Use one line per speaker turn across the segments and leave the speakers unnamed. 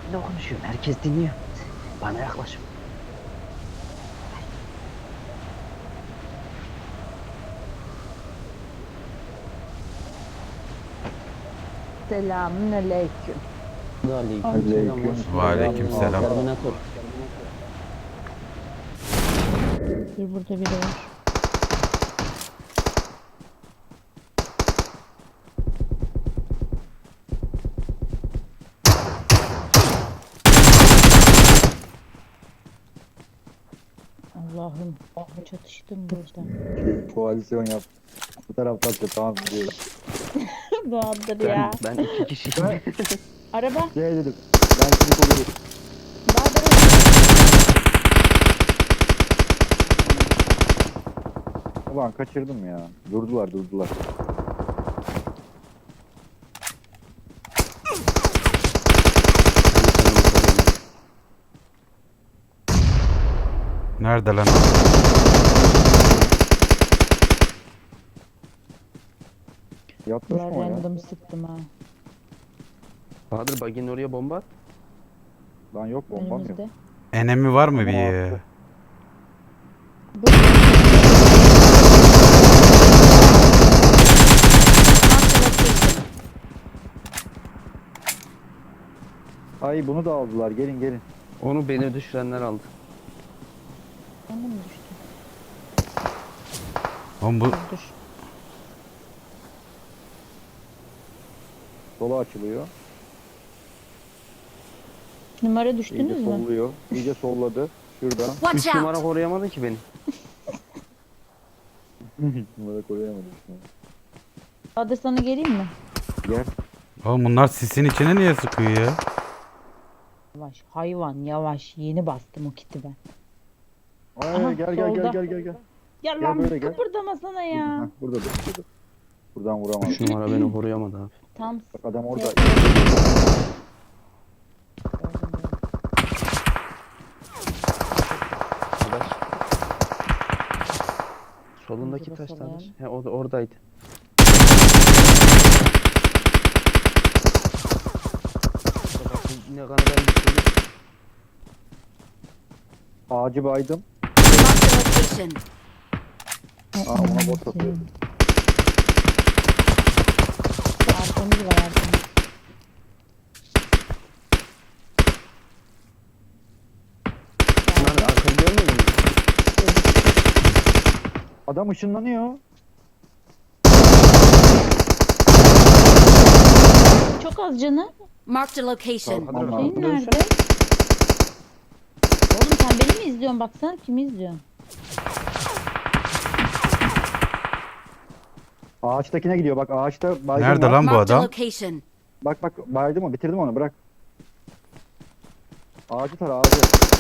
içinde konuşuyorum. Herkes dinliyor. Bana yaklaş.
Selamünaleyküm.
Aleykümselam.
Aleyküm
Hoş geldin.
selam.
Aleykümselam.
Terminator.
Dur burada biri var. Allah'ım çatıştım burada.
Koalisyon yap. Bu taraftan da tamam biliyorum.
Doğandır ya.
Ben iki kişiyim.
Araba.
Şey dedim. Ben seni korurum.
Bahadır.
Ulan kaçırdım ya. Durdular.
Nerede lan?
Yatmış mı o ya?
Random sıktım ha.
Bahadır baginin oraya bomba at.
Lan yok bombam yok.
Önümüzde.
Enemi var mı bir?
Attı. Ay bunu da aldılar. Gelin.
Onu beni düşürenler aldı.
Ben de mi düştüm?
Oğlum bu
Dur.
Sola açılıyor.
Numara
İyice
düştünüz mü?
solluyor. İyice solladı. Şuradan.
Watch
3
out!
numara koruyamadı ki beni.
Numara koyamadım.
Bahadır sana geleyim mi?
Gel.
oğlum bunlar sisin içine niye sıkıyor ya?
Yavaş hayvan yavaş. Yeni bastım o kiti ben.
Ay,
Aha,
gel.
Ya
Gel
lan
böyle gel.
kıpırdamasana ya.
Heh, burada dur. Buradan vuramaz.
3 numara beni koruyamadı abi.
Tam
Bak adam orada.
Arkadaş. Solundaki
Burada
taş
salayım.
tanış. He o da oradaydı. Bak, ne kadar ben düşürdüm.
Ağacı baydım.
Marked a location.
Aa ona bot atıyor.
Arkamız var arkamız.
Bunlar arkamı görmüyor musun?
Adam ışınlanıyor.
Çok az canı.
Marked a location.
Bahadır
Aman.
Şeyin
arkamı
nerede?
dönsene.
Oğlum sen beni mi izliyorsun? Baksana kimi izliyorsun?
Ağaçtakine gidiyor bak ağaçta baydım.
Nerede
var.
lan bu
Marked a
adam?
location.
Bak baydım o bitirdim onu bırak. Ağacı tar ağacı.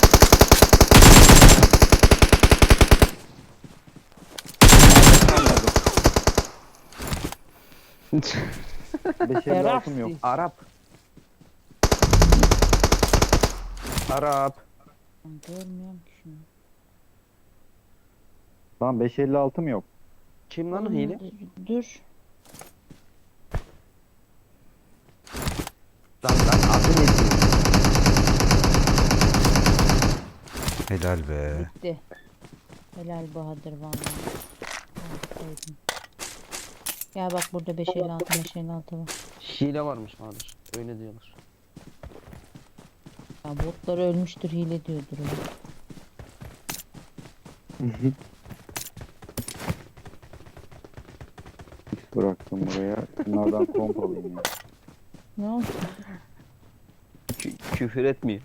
Beşeri altım yok.
Arap. Arap.
Ben görmüyorum ki şunu.
Tamam 556'm yok.
Kim lan o
Oğlum,
hile?
Dur.
Lan adı ne?
Helal be.
Bitti. Helal Bahadır vallahi. Aferin. Gel bak burada 556 var.
Hile varmış Bahadır. Öyle diyorlar.
Ya botlar ölmüştür hile diyordur o.
Bıraktım buraya. Bunlardan komp alayım ya.
Ne oldu?
Küfür etmiyor.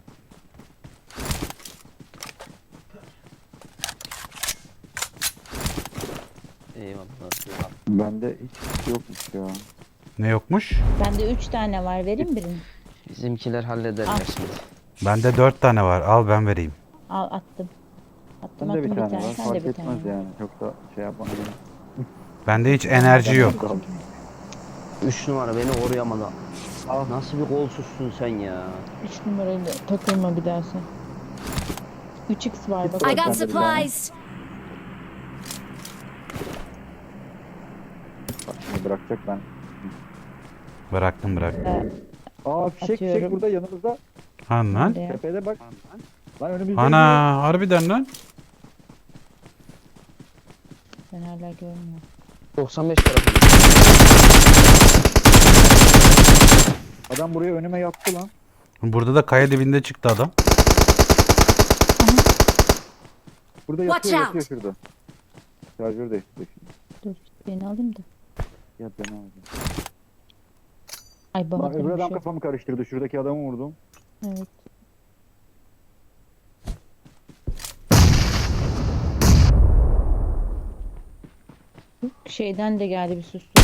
Eyvallah.
Bende hiç yokmuş ya.
Ne yokmuş?
Bende 3 tane var. Vereyim birini.
Bizimkiler hallederler
Al.
şimdi.
Bende 4 tane var. Al ben vereyim.
Al attım. Attım
Bende
attım
bir
bir
tane
tane.
var.
Sen de
Fark
bir
etmez
tane.
yani. Çok da şey yapmam.
Bende hiç enerji yok.
3 numara beni koruyamadı.
Al.
Nasıl bir kolsuzsun sen ya?
3 numarayla takılma bir daha sen. 3x var bak.
I got
Ben de bir tane.
supplies.
Bak şimdi bırakacak ben.
Bıraktım.
Aa fişek
Atıyorum.
burada yanımızda.
Han lan.
Nerede ya?
Tepede bak. Lan önümüzde.
Ana harbiden lan.
Ben hala görmüyorum.
95 tarafı.
Adam buraya önüme yattı lan.
Burada da kaya dibinde çıktı adam.
Burada
Watch
yatıyor
out.
yatıyor şurada. Şarjör değiştirdi şimdi.
Dur beni alayım da.
Yat ben alacağım.
Ay
Lan
Bahadır
öbür
bir
adam
şey.
kafamı karıştırdı. Şuradaki adamı vurdum.
Evet. Şeyden de geldi bir sustu.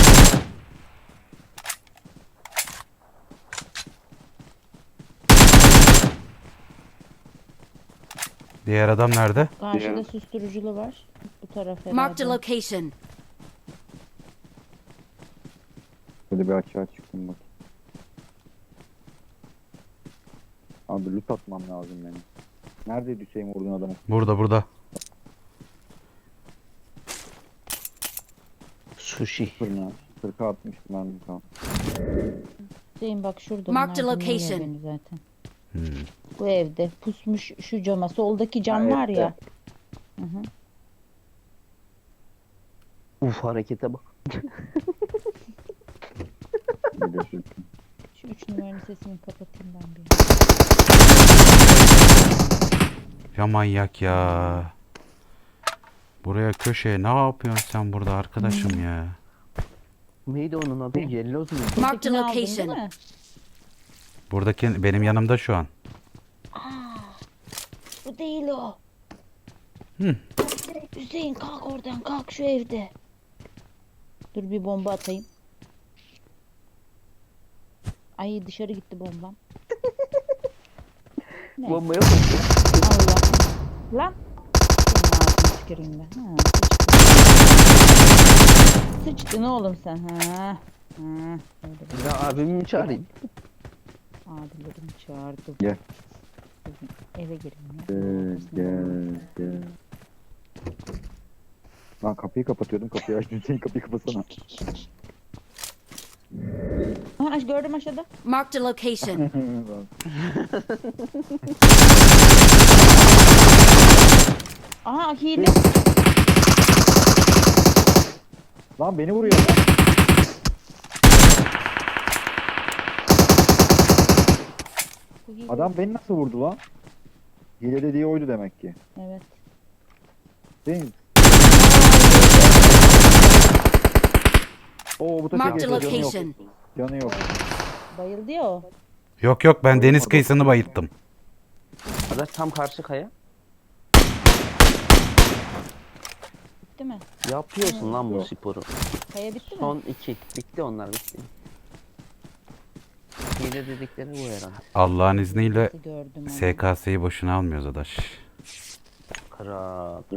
Diğer adam nerede?
Karşıda susturuculu var. Bu taraf
Marked a
herhalde.
location.
Böyle bir açığa çıktım bak. Abi loot atmam lazım benim. Neredeydi Hüseyin vurduğun adamı?
Burada.
Sushi.
Fırına. 40'a atmıştım ben bir tane.
Hüseyin bak şurada.
Marked
bunlar
a
dinliyor
location.
beni zaten.
Hmm.
Bu evde pusmuş şu cama. Soldaki cam
Ha,
var
evet,
ya. Hı hı.
Uf harekete bak.
Biliyorsun.
Şu 3 numaranın sesini kapatayım ben bir.
Ya manyak ya. Buraya köşeye ne yapıyorsun sen burada arkadaşım ya?
Neydi onun adı? Yelloz mu?
Marked a
Buradakini aldın değil
location.
mi?
Buradaki benim yanımda şu an.
Bu değil o.
Hı.
Hüseyin kalk oradan kalk şu evde. Dur bir bomba atayım. Ay dışarı gitti bombam. Ne?
Bombaya koşuyor.
Allah. Lan. Senin ağzını tüküreyim ben. Ha, sıçtın. Sıçtın oğlum sen. Ha. Ha. Öyle bir
Ya abimi mi çağırayım?
abilerim çağırdı.
Gel.
Eve girin ya.
Gel. Lan kapıyı kapatıyordum. Kapıyı açtım. Hüseyin kapıyı kapatsana.
Aha, gördüm aşağıda.
Marked a location.
Aha hile.
Lan beni vuruyor.
Bu hile.
Adam beni nasıl vurdu lan? Hile dediği oydu demek ki.
Evet.
Değil mi? Oo bu taşı
Marked a
canı yok.
location.
Canı yok.
Bayıldı ya o.
Yok ben deniz kıyısını bayılttım.
Arkadaş tam karşı kaya.
Bitti mi?
Yapıyorsun lan bu
Yok.
sporu.
Kaya bitti mi?
Son 2. Bitti onlar bitti. Hile dedikleri bu herhalde.
Allah'ın izniyle
Nasıl gördüm onu?
SKS'yi boşuna almıyoruz adaş.
Kral.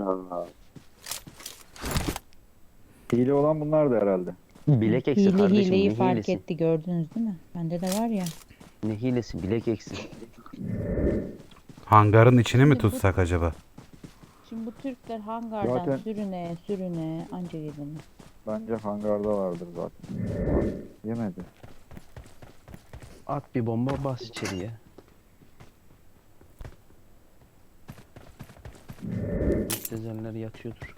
Hile olan bunlardı herhalde.
Bilek eksi
Hile
kardeşim.
hileyi
ne
fark
hilesi?
etti gördünüz değil mi? Bende de var ya.
Ne hilesi? Bilek eksi.
Hangarın içini mi tutsak acaba?
Şimdi bu Türkler hangardan
Zaten-
sürüne anca yedin.
Bence hangarda vardır zaten. Yemedi.
At bir bomba bas içeriye. Müptezeller yatıyordur.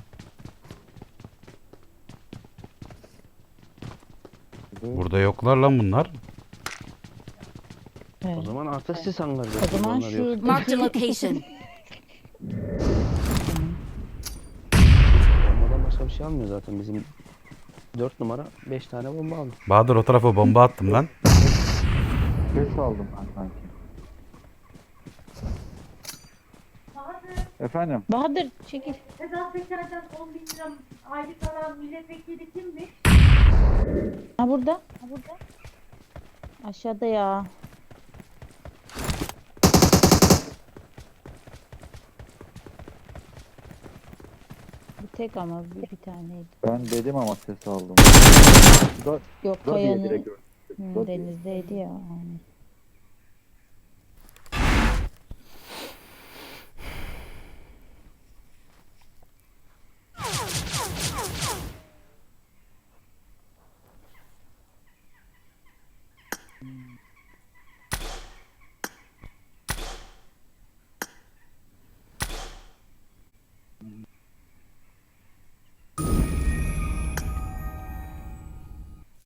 Burada yoklar lan bunlar.
Evet.
O zaman artık siz hangarda.
O zaman
onlar yok.
şu
Marked a location.
Bombadan başka bir şey almıyor zaten bizim 4 numara 5 tane bomba aldı.
Bahadır o tarafa bomba attım lan.
Ses aldım ben sanki. Efendim?
Bahadır çekil.
Sedat Peker'den 10 bin lira aylık alan milletvekili kimmiş?
Ha burada. Ha burada. Aşağıda ya. Bu tek ama bir taneydi.
Ben dedim ama ses aldım.
Yok
Da diye
kayanın
direkt gördüm. Da diye.
denizdeydi ya. Aynen.